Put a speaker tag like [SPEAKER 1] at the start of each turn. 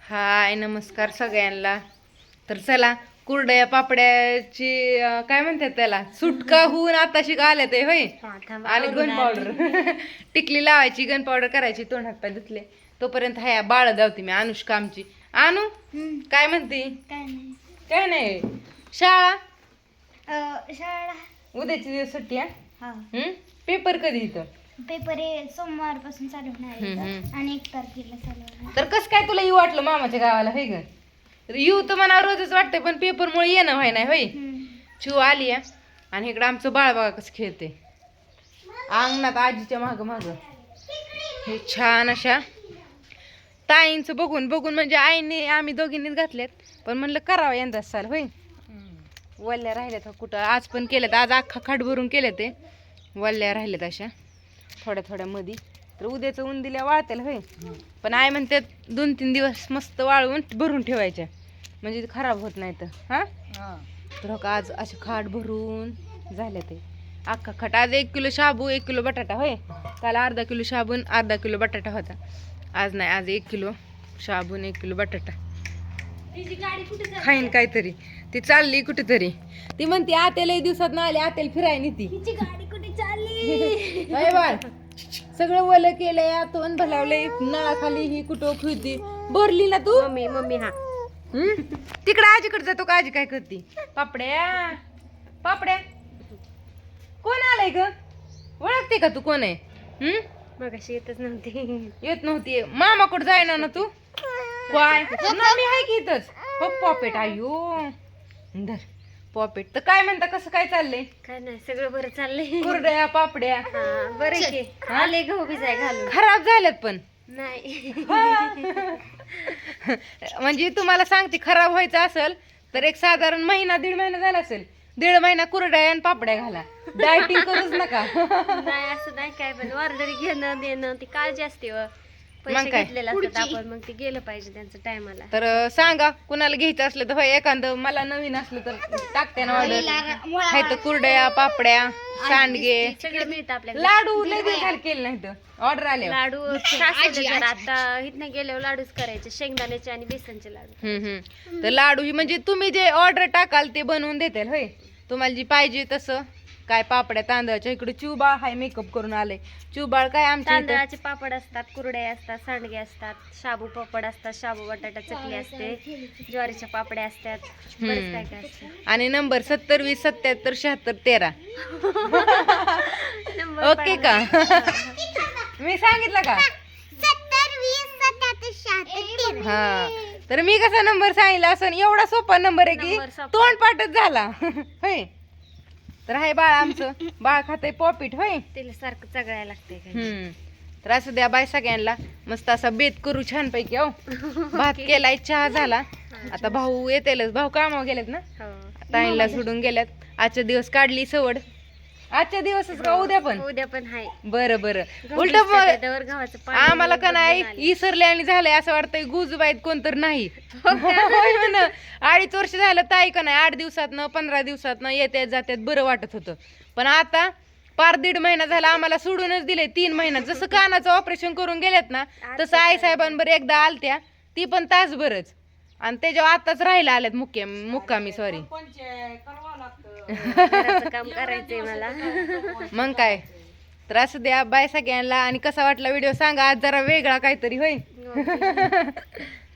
[SPEAKER 1] हाय नमस्कार सगळ्यांना. तर चला कुरडया पापड्याची काय म्हणतात त्याला सुटका होऊन आताशी आल्या ते होय. आणि गन पावडर टिकली लावायची, गन पावडर करायची, तोंड हात पाय धुतले. तोपर्यंत हाया बाळ धावती मी अनुष्का आमची. आणू काय म्हणते? काय नाही शाळा
[SPEAKER 2] शाळा
[SPEAKER 1] उद्याची दिवस सुट्टी आहे.
[SPEAKER 2] हा
[SPEAKER 1] पेपर कधी इथं?
[SPEAKER 2] पेपर सोमवार पासून चालू होणार आहे आणि 1 तारखेला चालू होणार.
[SPEAKER 1] तर कसं काय तुला येऊ वाटलं मामाच्या गावाला होय ग? तर येऊ तर मला रोजच वाटतंय पण पेपरमुळे येणं व्हाय नाही होय. चिव आली आहे आणि इकडं आमचं बाळ बघा कसं खेळते अंगणात आजीच्या माग माग. हे छान अशा ताईंचं बघून बघून म्हणजे आईने आम्ही दोघींनीच घातल्यात, पण म्हणलं करावं यंदा साल होय. वल्ल्या राहिल्यात कुठं आज पण केल्यात, आज अख्खा खाट भरून केल्या ते वल्ल्या राहिल्यात अशा थोड्या थोड्या मध्ये. तर उद्याचं ऊन दिल्या वाळतेल होय, पण आई म्हणते 2-3 दिवस मस्त वाळवून भरून ठेवायच्या म्हणजे खराब होत नाही तर. हा तर का आज असे खाट भरून झाले ते अख्खा खाट. आज 1 किलो शाबू 1 किलो बटाटा होय. काल अर्धा किलो शाबून अर्धा किलो बटाटा होता. आज नाही, आज 1 किलो शाबून 1 किलो बटाटा. खाईन काहीतरी. ती चालली कुठेतरी. ती म्हणते आत्या लई दिवसात ना आली, आत्याला फिरायला नेती.
[SPEAKER 2] गाडी कुठे चालली?
[SPEAKER 1] अरे बाळ सगळं वलं केलंय, तोंड भलावलंय, नळाखाली ही कुठं खुदी भरली ना तू.
[SPEAKER 2] मम्मी हा
[SPEAKER 1] तिकडे आजीकडे जातो का? आजी काय करते? पापड्या पापड्या कोण आलंय ग? ओळखते का तू कोण आहे?
[SPEAKER 2] मगाशी येतच नव्हती.
[SPEAKER 1] येत नव्हती. मामाकडे जायना ना तू? काय मी आहे की इथंच. हो पॉपेट आयो धर पॉपेट. तर काय म्हणता, कसं काय चाललंय?
[SPEAKER 2] काय नाही, सगळं बरं चाललंय.
[SPEAKER 1] कुरड्या पापड्या
[SPEAKER 2] बरं की आले गहू भिजाय घालून.
[SPEAKER 1] खराब झाल्यात पण
[SPEAKER 2] नाही
[SPEAKER 1] म्हणजे तुम्हाला सांगते खराब व्हायचं असेल तर एक साधारण महिना 1.5 महिना झाला असेल. 1.5 महिना कुरड्या आणि पापड्या घाला, डायटिंग करूच नका.
[SPEAKER 2] नाही असं नाही काय, पण ऑर्डर घेणं देणं ती काळजी असते व पैसे
[SPEAKER 1] काय?
[SPEAKER 2] घेतलेले असतात आपण, मग ते गेलं पाहिजे त्यांचं टायमाला.
[SPEAKER 1] तर सांगा कुणाला घ्यायचं असलं तर होय. एखादं मला नवीन असलं तर टाकते ना ऑर्डर. हाय तर कुरड्या पापड्या सांडगे
[SPEAKER 2] सगळं मिळतं आपल्याला.
[SPEAKER 1] लाडू लय दिवस झाले केले नाही तर ऑर्डर आले.
[SPEAKER 2] लाडू सासवले जरा, आता इथनं गेल्यावर लाडूच करायचे, शेंगदाण्याचे आणि बेसनचे लाडू.
[SPEAKER 1] तर लाडू ही म्हणजे तुम्ही जे ऑर्डर टाकाल ते बनवून देतील होय. तुम्हाला जी पाहिजे तसं. काय पापड्या तांदळाच्या इकडे चिवबाळ हाय मेकअप करून आले. चिवबाळ काय आमच्या इथं
[SPEAKER 2] तांदळाचे पापड असतात, कुरड्या असतात, सांडगे असतात, शाबू पापड असतात, शाबू बटाटा चकली असते, ज्वारीच्या पापड्या असतात, बरेच काय काय असतं.
[SPEAKER 1] आणि नंबर 70 20 77 76 13 ओके का? मी सांगितलं का? हा तर मी कसा नंबर सांगितला असं एवढा सोपा नंबर आहे की
[SPEAKER 2] नंबर सोपा.
[SPEAKER 1] तोंड पाठच झाला होय. तर हाय बाळ आमचं बाळ खातंय पॉपिट होय.
[SPEAKER 2] तिला सारखं चगळायला लागतंय.
[SPEAKER 1] तर असं द्या बाय सगळ्यांना. मस्त असा बेत करू छानपैकी. हो भात केलाय, चहा झाला. आता भाऊ येतेलच, भाऊ कामावर गेलेत ना, ताईंला सोडून गेल्यात. आजच्या दिवस काढली सवड. आजच्या दिवसच का उद्या पण?
[SPEAKER 2] उद्या पण हाय.
[SPEAKER 1] बरं बरं. उलट
[SPEAKER 2] गव्हाचं पाणी
[SPEAKER 1] आम्हाला का नाही इसरले आणि झालंय असं वाटतंय गुजबाईत कोणतर नाही. होय म्हण. 2.5 वर्ष झालं ताई का नाही 8 दिवसातनं 15 दिवसातनं येत्यात जात्यात बरं वाटत होतं. पण आता पार 1.5 महिना झाला आम्हाला सोडूनच दिले. 3 महिन्यात जसं कानाचं ऑपरेशन करून गेलेत ना तसं आई साहेबांबर एकदा आलत्या, ती पण तासभरच. आणि त्याच्यावर आताच राहायला आल्यात मुक्कामी सॉरी.
[SPEAKER 2] काम करायचंय मला.
[SPEAKER 1] मग काय. तर असं द्या बाय सगळ्यांना. आणि कसा वाटला व्हिडिओ सांगा. आज जरा वेगळा काहीतरी होय.